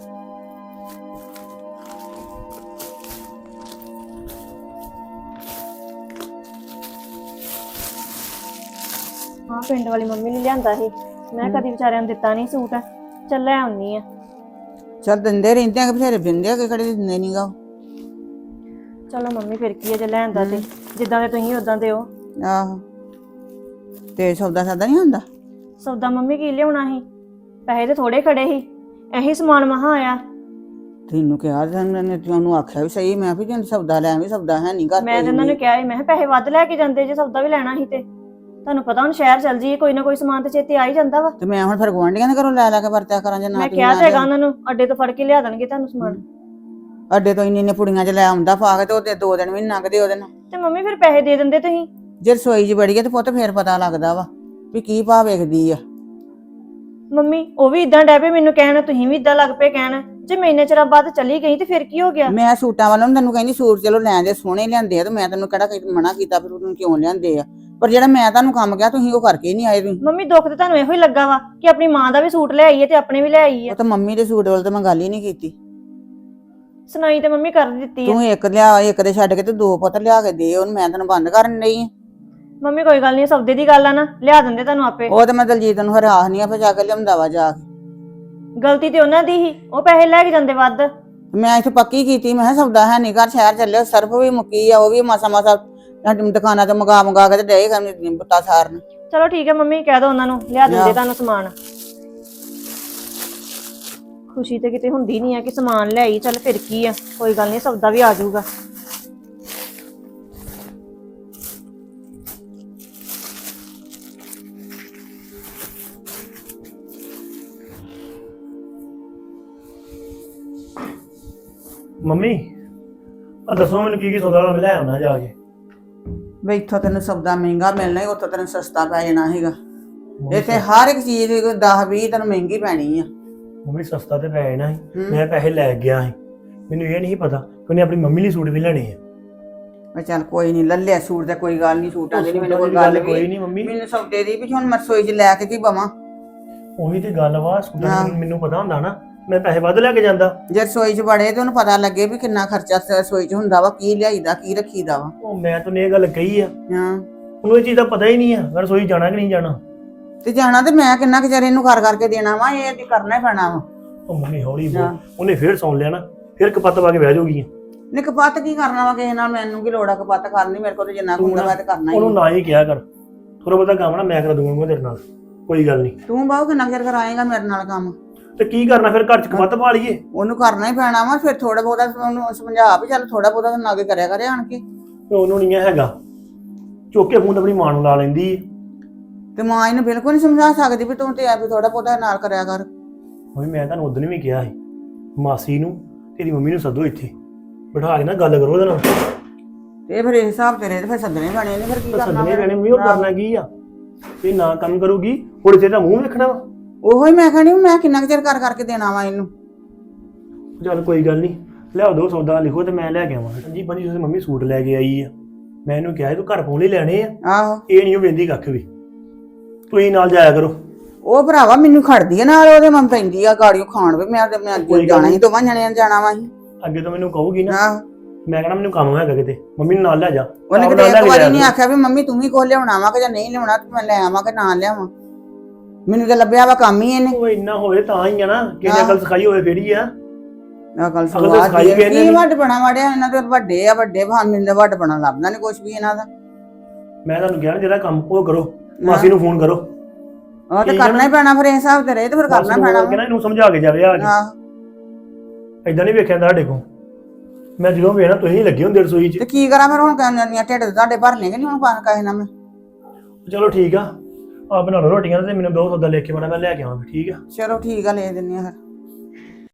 S4: ਹਾਂ ਪਿੰਡ ਵਾਲੀ ਮੰਮੀ ਨੇ ਲਿਆਂਦਾ ਸੀ, ਮੈਂ ਕਦੀ ਵਿਚਾਰਿਆਂ ਨੂੰ ਦਿੱਤਾ ਨਹੀਂ ਸੂਟ, ਚੱਲ ਲੈ ਆਉਣੀ ਆ।
S6: ਚੱਲ ਦਿੰਦੇ ਰਹਿੰਦੇ ਆ ਕਿ ਬਥੇਰੇ ਦਿੰਦੇ ਆ ਕਿ ਕਿਹੜੇ ਦਿੰਦੇ ਨੀ ਗਾ।
S4: ਚਲੋ ਮੰਮੀ ਫਿਰ ਕੀ ਹੈ, ਜੇ ਲੈਂਦਾ ਤੇ ਜਿੱਦਾਂ ਦੇ ਤੁਸੀਂ ਉਦਾਂ ਦੇ ਹੋ।
S6: ਆਹੋ ਤੇ ਸੌਦਾ ਸਾਦਾ ਨਹੀਂ ਹੁੰਦਾ?
S4: ਸੌਦਾ ਮੰਮੀ ਕੀ ਲਿਆਉਣਾ ਸੀ, ਪੈਸੇ ਤੇ ਥੋੜੇ ਖੜੇ ਸੀ, ਇਹੀ ਸਮਾਨ ਮਹਾ ਆਇਆ।
S6: ਤੈਨੂੰ ਕਿਹਾ ਨੇ ਉਹਨੂੰ ਆਖਿਆ ਵੀ ਸਹੀ, ਮੈਂ ਵੀ ਤੈਨੂੰ ਸੌਦਾ ਲੈ ਵੀ ਸੌਦਾ ਹੈ ਨਹੀਂ ਘਰ।
S4: ਮੈਂ ਤੇ ਉਹਨਾਂ ਨੂੰ ਕਿਹਾ ਸੀ, ਮੈਂ ਕਿਹਾ ਪੈਸੇ ਵੱਧ ਲੈ ਕੇ ਜਾਂਦੇ ਜੇ ਸੌਦਾ ਵੀ ਲੈਣਾ ਸੀ ਤੇ। ਤੁਹਾਨੂੰ ਪਤਾ ਹੁਣ ਸ਼ਹਿਰ ਚੱਲ ਜਾਈਏ, ਕੋਈ ਨਾ ਕੋਈ ਸਮਾਨ ਤੇ ਚੇਤੇ ਆ ਹੀ ਜਾਂਦਾ ਵਾ।
S6: ਤੇ ਮੈਂ ਹੁਣ ਫਿਰ ਗੁਆਂਢੀਆਂ ਦੇ ਘਰੋਂ ਲੈ ਲੈ ਕੇ ਵਰਤਿਆ ਕਰਾਂ ਜੇ ਨਾ।
S4: ਮੈਂ ਕਿਹਾ ਤੇ ਹੈਗਾ ਉਹਨਾਂ ਨੂੰ, ਅੱਡੇ ਤੋਂ ਫੜ ਕੇ ਲਿਆ ਦੇਣਗੇ ਤੁਹਾਨੂੰ ਸਮਾਨ।
S6: ਅੱਡੇ ਤੋਂ ਇੰਨੇ ਇੰਨੇ ਪੁੜੀਆਂ ਚ ਲੈ ਆਉਂਦਾ ਪਾ ਕੇ, ਤੇ ਉਹਦੇ ਦੋ ਦਿਨ ਵੀ ਨੀ ਲੰਘਦੇ ਉਹਦੇ ਨਾਲ।
S4: ਤੇ ਮੰਮੀ ਫਿਰ ਪੈਸੇ ਦੇ ਦਿੰਦੇ ਤੁਸੀਂ।
S6: ਜੇ ਰਸੋਈ 'ਚ ਵੜੀਏ ਤੇ ਪੁੱਤ ਫੇਰ ਪਤਾ ਲੱਗਦਾ ਵਾ ਵੀ ਕੀ ਭਾਅ ਵੇਖਦੀ ਆ।
S4: ਮੰਮੀ ਉਹ ਵੀ ਇਦਾਂ ਡੈ ਪਏ ਮੈਨੂੰ ਕਹਿਣ, ਤੁਸੀਂ ਵੀ ਇਦਾਂ ਲੱਗ ਪਏ ਕਹਿਣ। ਜੇ ਮੈਂ ਇੰਨੇ ਚਿਰਾਂ ਬਾਅਦ ਚਲੀ ਗਈ ਤੇ ਫਿਰ ਕੀ ਹੋ ਗਿਆ?
S6: ਮੈਂ ਸੂਟਾਂ ਵੱਲੋਂ ਤੈਨੂੰ ਕਹਿੰਦੀ ਸੂਟ ਚਲੋ ਲੈਣ ਦੇ, ਸੋਹਣੇ ਲਿਆਂਦੇ ਆ, ਤੇ ਮੈਂ ਤੈਨੂੰ ਕਿਹੜਾ ਕੋਈ ਮਨਾ ਕੀਤਾ ਫਿਰ ਉਹਨੂੰ ਕਿਉਂ ਲਿਆਂਦੇ ਆ। ਪਰ ਜਿਹੜਾ ਮੈਂ ਤੁਹਾਨੂੰ ਕੰਮ ਕਿਹਾ ਤੁਸੀਂ ਉਹ ਕਰਕੇ ਨਹੀਂ ਆਏ। ਤੁਸੀਂ
S4: ਮੰਮੀ ਦੁੱਖ ਤੇ ਤੁਹਾਨੂੰ ਇਹੋ ਹੀ ਲੱਗਾ ਵਾ ਕਿ ਆਪਣੀ ਮਾਂ ਦਾ ਵੀ ਸੂਟ ਲੈ ਆਈਏ ਤੇ ਆਪਣੇ ਵੀ ਲੈ ਆਈਏ।
S6: ਉਹ ਤਾਂ ਮੰਮੀ ਦੇ ਸੂਟ ਵੱਲ ਤਾਂ ਮੈਂ ਗੱਲ ਹੀ ਨਹੀਂ ਕੀਤੀ।
S4: ਸੁਣਾਈ ਤੇ ਮੰਮੀ ਕਰ ਦਿੱਤੀ ਹੈ।
S6: ਤੂੰ ਇੱਕ ਲਿਆ, ਇੱਕ ਦੇ ਛੱਡ ਕੇ ਤੇ ਦੋ ਪੁੱਤ ਲਿਆ ਕੇ ਦੇ ਉਹਨੂੰ, ਮੈਂ ਤੈਨੂੰ ਬੰਦ ਕਰਨ ਲਈ।
S4: ਮੰਮੀ ਕੋਈ ਗੱਲ ਨਹੀਂ, ਸੌਦੇ ਦੀ ਗੱਲ ਆ ਨਾ, ਲਿਆ ਦਿੰਦੇ ਤੁਹਾਨੂੰ ਆਪੇ।
S6: ਉਹ ਤੇ ਮੈਂ ਦਲਜੀਤ ਨੂੰ ਹਰਾਹ ਨਹੀਂ ਆ, ਫਿਰ ਜਾ ਕੇ ਲਿਆਉਂਦਾ ਵਾ ਜਾ ਕੇ।
S4: ਗਲਤੀ ਤੇ ਉਹਨਾਂ ਦੀ ਹੀ, ਉਹ ਪੈਸੇ ਲੈ ਕੇ ਜਾਂਦੇ ਵੱਧ।
S6: ਮੈਂ ਇੱਥੇ ਪੱਕੀ ਕੀਤੀ, ਮੈਂ ਕਿਹਾ ਸੌਦਾ ਹੈ ਨਹੀਂ ਘਰ, ਸ਼ਹਿਰ ਚੱਲਿਓ, ਸਰਫ ਵੀ ਮੁੱਕੀ ਆ, ਉਹ ਵੀ ਮਾਸਾ ਮਾਸਾ ਦੁਕਾਨਾਂ ਤੋਂ ਮੰਗਾ ਮੰਗਾ ਕੇ ਤੇ ਡੇ ਕਰਨ ਬੁੱਤਾ ਸਾਰਨ।
S4: ਚਲੋ ਠੀਕ ਹੈ ਮੰਮੀ, ਕਹਿ ਦੋ ਉਹਨਾਂ ਨੂੰ ਲਿਆ ਦਿੰਦੇ ਤੁਹਾਨੂੰ ਸਮਾਨ। ਖੁਸ਼ੀ ਤੇ ਕਿਤੇ ਹੁੰਦੀ ਨਹੀਂ ਆ ਕਿ ਸਮਾਨ ਲੈ ਆਈ, ਚੱਲ ਫਿਰ ਕੀ ਆ, ਕੋਈ ਗੱਲ ਨਹੀਂ, ਸੌਦਾ ਵੀ ਆ ਜਾਊਗਾ।
S5: ਮੰਮੀ ਆ ਦੱਸੋ ਮੈਨੂੰ ਕੀ ਕੀ ਸੌਦਾ ਮੈਂ ਲੈ ਆਉਣਾ ਜਾ ਕੇ।
S6: ਬਈ ਇੱਥੋਂ ਤੈਨੂੰ ਸੌਦਾ ਮਹਿੰਗਾ ਮਿਲਣਾ, ਉੱਥੋਂ ਤੈਨੂੰ ਸਸਤਾ ਪੈ ਜਾਣਾ ਹੈਗਾ। ਇੱਥੇ ਹਰ ਇੱਕ ਚੀਜ਼ ਦਸ ਵੀਹ ਤੈਨੂੰ ਮਹਿੰਗੀ ਪੈਣੀ ਆ।
S5: ਮੰਮੀ ਸਸਤਾ ਤੇ ਪੈ ਜਾਣਾ ਸੀ, ਮੈਂ ਪੈਸੇ ਲੈ ਗਿਆ ਸੀ। ਮੈਨੂੰ ਇਹ ਨਹੀਂ ਪਤਾ ਕਿ ਉਹਨੇ ਆਪਣੀ ਮੰਮੀ ਲਈ ਸੂਟ ਵੀ ਲੈਣੇ ਆ।
S6: ਮੈਂ ਚੱਲ ਕੋਈ ਨਹੀਂ, ਲੱਲਿਆ ਸੂਟ ਤੇ ਕੋਈ ਗੱਲ ਨਹੀਂ, ਸੂਟਾਂ ਦੀ ਮੈਨੂੰ ਕੋਈ ਗੱਲ
S5: ਕੋਈ ਨਹੀਂ ਮੰਮੀ,
S6: ਮੈਨੂੰ ਸੌਦੇ ਦੀ ਵੀ ਹੁਣ ਮੈਂ ਰਸੋਈ 'ਚ ਲੈ ਕੇ ਕੀ ਬਵਾਂ।
S5: ਉਹੀ ਤੇ ਗੱਲ ਵਾ, ਸੂਟਾਂ ਦੀ ਮੈਨੂੰ ਪਤਾ ਹੁੰਦਾ ਨਾ, ਮੈਂ ਪੈਸੇ ਵੱਧ ਲੈ ਕੇ ਜਾਂਦਾ।
S6: ਜੇ ਰਸੋਈ 'ਚ ਵੜੇ ਤੇ ਉਹਨੂੰ ਪਤਾ ਲੱਗੇ ਵੀ ਕਿੰਨਾ ਖਰਚਾ ਰਸੋਈ 'ਚ ਹੁੰਦਾ ਵਾ, ਕੀ ਲਿਆਈਦਾ ਕੀ ਰੱਖੀਦਾ ਵਾ।
S5: ਉਹ ਮੈਂ ਤੈਨੂੰ ਇਹ ਗੱਲ ਕਹੀ ਆ,
S6: ਹਾਂ
S5: ਉਹਨੂੰ ਇਹ ਚੀਜ਼ ਦਾ ਪਤਾ ਹੀ ਨਹੀਂ ਆ ਮੈਂ ਰਸੋਈ ਜਾਣਾ ਕਿ ਨਹੀਂ ਜਾਣਾ।
S6: ਤੇ ਜਾਣਾ ਤੇ ਮੈਂ ਕਿੰਨਾ ਵਿਚਾਰੇ ਇਹਨੂੰ ਕਰ ਕਰਕੇ ਦੇਣਾ ਵਾ, ਇਹ ਤੇ ਕਰਨਾ ਹੀ ਪੈਣਾ ਵਾ।
S5: ਉਹ ਮੰਮੀ ਹੌਲੀ ਬੋਲ, ਉਹਨੇ ਫੇਰ ਸੌਂ ਲਿਆ ਨਾ, ਫਿਰ ਕਪੱਤ ਪਾ ਕੇ ਬਹਿ ਜਾਊਗੀ।
S6: ਨੀ ਕਪੱਤ ਕੀ ਕਰਨਾ ਵਾ ਕਿਸੇ ਨਾਲ, ਮੈਨੂੰ ਕੀ ਲੋੜ ਆ ਕਪੱਤ ਕਰਨੀ, ਮੇਰੇ ਕੋਲ ਤਾਂ ਜਿੰਨਾ ਕੁ ਹੁੰਦਾ ਵਾ ਤੇ ਕਰਨਾ ਹੀ
S5: ਉਹਨੂੰ
S6: ਆ।
S5: ਨਾ ਹੀ ਕਿਹਾ ਕਰ, ਥੋੜਾ ਬਹੁਤਾ ਕੰਮ ਨਾ ਮੈਂ ਕਰ ਦੂੰਗਾ ਤੇਰੇ ਨਾਲ, ਕੋਈ ਗੱਲ ਨਹੀਂ।
S6: ਤੂੰ ਬਾਹੂ ਕਿੰਨਾ ਚਿਰ ਕਰਾਏਗਾ ਮੇਰੇ ਨਾਲ ਕੰਮ?
S5: ਤੇ ਕੀ ਕਰਨਾ ਫਿਰ, ਘਰ ਚ ਕਪੱਤ ਪਾ ਲਈਏ?
S6: ਉਹਨੂੰ ਕਰਨਾ ਹੀ ਪੈਣਾ ਵਾ, ਫਿਰ ਥੋੜਾ ਬਹੁਤਾ ਉਹਨੂੰ ਸਮਝਾ ਵੀ ਚੱਲ ਥੋੜਾ ਬਹੁਤਾ ਨਾ ਕੇ ਕਰਿਆ ਕਰੇ ਆਣ ਕੇ।
S5: ਤੇ ਉਹਨੂੰ ਨਹੀਂ ਹੈਗਾ, ਚੁੱਕ ਕੇ ਫੋਨ ਆਪਣੀ ਮਾਂ ਨੂੰ ਲਾ ਲੈਂਦੀ ਹੈ।
S6: ਤੇ ਮਾਂ ਇਹਨੂੰ ਬਿਲਕੁਲ ਨਹੀਂ ਸਮਝਾ ਸਕਦੀ ਵੀ ਤੂੰ ਤੇ ਆ ਵੀ ਥੋੜਾ ਬਹੁਤਾ ਨਾਲ ਕਰਿਆ ਕਰ।
S5: ਉਹ ਵੀ ਮੈਂ ਤੁਹਾਨੂੰ ਉਦੋਂ ਵੀ ਕਿਹਾ ਸੀ, ਮਾਸੀ ਨੂੰ ਤੇਰੀ ਮੰਮੀ ਨੂੰ ਸੱਦੋ ਇੱਥੇ, ਬਿਠਾ ਕੇ ਨਾ ਗੱਲ ਕਰੋ ਉਹਦੇ ਨਾਲ।
S6: ਤੇ ਇਹ ਫਿਰ ਇਸ ਹਿਸਾਬ ਤੇ ਰਹੇ ਤੇ ਫਿਰ ਸੱਦਣੇ ਪੈਣੇ ਨੇ, ਫਿਰ ਕੀ ਕਰਨਾ?
S5: ਸੱਦਣੇ ਪੈਣੇ ਮੰਮੀ, ਉਹ ਕਰਨਾ ਕੀ ਆ? ਇਹ ਨਾ ਕੰਮ ਕਰੂਗੀ ਹੁਣ ਤੇਰਾ ਮੂੰਹ ਵੇਖਣਾ ਵਾ।
S6: ਉਹੋ ਹੀ ਮੈਂ ਕਹਿੰਦੀ ਮੈਂ ਕਿੰਨਾ ਕੁ ਚਿਰ ਕਰ ਕਰਕੇ ਦੇਣਾ ਵਾ ਇਹਨੂੰ।
S5: ਚੱਲ ਕੋਈ ਗੱਲ ਨਹੀਂ, ਲਿਆਓ ਦੋ ਸੌਦਾ ਲਿਖੋ ਤੇ ਮੈਂ ਲੈ ਕੇ ਆਵਾਂ। ਜੀ ਪੰਜੀ ਤੁਸੀਂ ਮੰਮੀ ਸੂਟ ਲੈ ਕੇ ਆਈ ਆ, ਮੈਂ ਇਹਨੂੰ ਕਿਹਾ ਤੂੰ ਘਰ ਪਾਉਣ ਲਈ ਲੈਣੇ ਆ,
S6: ਆਹੋ
S5: ਇਹ ਨਹੀਂ ਉਹ ਵੇਂਦੀ ਕੱਖ ਵੀ, ਤੁਸੀਂ ਨਾਲ ਜਾਇਆ ਕਰੋ।
S6: ਉਹ ਭਰਾਵਾ ਮੈਨੂੰ ਖੜਦੀ ਆ ਨਾਲ, ਉਹਦੇ ਮਨ ਪੈਂਦੀ ਆ ਗਾੜੀਓ ਖਾਣ ਵੀ, ਮੈਂ ਤੇ ਮੈਂ
S5: ਕੋਈ ਗੱਲ
S6: ਜਾਣਾ ਹੀ
S5: ਨੀ।
S6: ਦੋਵਾਂ ਜਣਿਆਂ ਨੇ ਜਾਣਾ ਵਾ ਅਸੀਂ।
S5: ਅੱਗੇ ਤੋਂ ਮੈਨੂੰ ਕਹੂਗੀ ਨਾ,
S6: ਆਹੋ
S5: ਮੈਂ ਕਹਣਾ ਮੈਨੂੰ ਕੰਮ ਹੈਗਾ ਕਿਤੇ, ਮੰਮੀ ਨੂੰ ਨਾਲ ਲੈ ਜਾ।
S6: ਉਹਨੇ
S5: ਆਪ
S6: ਕਿਤੇ
S5: ਨਾਲ ਲੈ
S6: ਇੱਕ
S5: ਕੇ
S6: ਵਾਰੀ
S5: ਜਾਇਆ
S6: ਨਹੀਂ
S5: ਕਰੋ।
S6: ਆਖਿਆ ਵੀ ਮੰਮੀ ਤੂੰ ਵੀ ਕੋ ਲਿਆਉਣਾ ਵਾ ਕਿ ਜਾਂ ਨਹੀਂ ਲਿਆਉਣਾ, ਤੇ ਮੈਂ ਲੈ ਆਵਾਂ ਕਿ ਨਾ ਲਿਆਵਾਂ। ਮੈਨੂੰ ਤਾਂ ਲੱਭਿਆ ਵਾ ਕੰਮ ਹੀ ਇਹਨੇ।
S5: ਉਹ ਇੰਨਾ ਹੋਵੇ ਤਾਂ ਹੀ ਆ ਨਾ, ਕਿਸੇ
S6: ਆਹ।
S5: ਅਕਲ ਸਿਖਾਈ ਹੋਵੇ ਫੇਰ ਹੀ ਆ।
S6: ਆ ਗੱਲ
S5: ਅਗਰ
S6: ਸੁਣਾ
S5: ਸਿਖਾਈ
S6: ਦੀ
S5: ਗਏ ਨੇ
S6: ਕੀ
S5: ਨੀ।
S6: ਵੱਡ ਬਣਾ ਵੜਿਆ ਇਹਨਾਂ ਦੇ, ਵੱਡੇ ਆ ਵੱਡੇ ਭਾਂ, ਮੈਨੂੰ ਤਾਂ ਵੱਡ ਬਣਾ ਲੱਭਦਾ ਨਹੀਂ ਕੁਛ ਵੀ ਇਹਨਾਂ ਦਾ।
S5: ਮੈਂ ਤੁਹਾਨੂੰ ਕਿਹਾ ਨਾ ਜਿਹੜਾ ਕੰਮ ਉਹ ਕਰੋ, ਮਾਸੀ ਨੂੰ ਫੋਨ ਕਰੋ।
S6: ਉਹ ਤੇ
S5: ਠੀਕ ਆ
S6: ਕਰਨਾ ਹੀ ਪੈਣਾ, ਫਿਰ ਇਸ ਹਿਸਾਬ ਤੇ ਰਹੇ ਤੇ ਫਿਰ
S5: ਮਾਸੀ
S6: ਕਰਨਾ
S5: ਨੂੰ
S6: ਪੈਣਾ
S5: ਫੋਨ ਕਰਕੇ ਨਾ ਇਹਨੂੰ ਸਮਝਾ ਕੇ ਜਾਵੇ ਆ ਕੇ।
S6: ਆਹ
S5: ਏਦਾਂ ਨਹੀਂ ਵੇਖਿਆ ਤੁਹਾਡੇ ਕੋਲ, ਮੈਂ ਜਦੋਂ ਵੇਖਣਾ ਤੁਸੀਂ ਲੱਗੇ ਹੁੰਦੇ ਰਸੋਈ 'ਚ।
S6: ਤੇ ਕੀ ਕਰਾਂ ਫਿਰ ਹੁਣ, ਕਹਿੰਦੀਆਂ ਢਿੱਡ ਤੇ ਤੁਹਾਡੇ ਭਰਨੇ ਕਿ ਨਹੀਂ ਹੁਣ ਪਾਣ ਕਹੇ ਨਾ ਮੈਂ।
S5: ਚਲੋ ਠੀਕ ਆ, ਆ ਬਣਾ ਲਓ ਰੋਟੀਆਂ ਤੇ ਮੈਨੂੰ ਦੋ ਸੌਦਾ ਲਿਖ ਕੇ ਬਣਾ, ਮੈਂ ਲੈ ਕੇ ਆਵਾਂ, ਠੀਕ ਆ।
S6: ਚਲੋ ਠੀਕ ਆ, ਲੈ ਦਿੰਨੀ ਆ ਫਿਰ।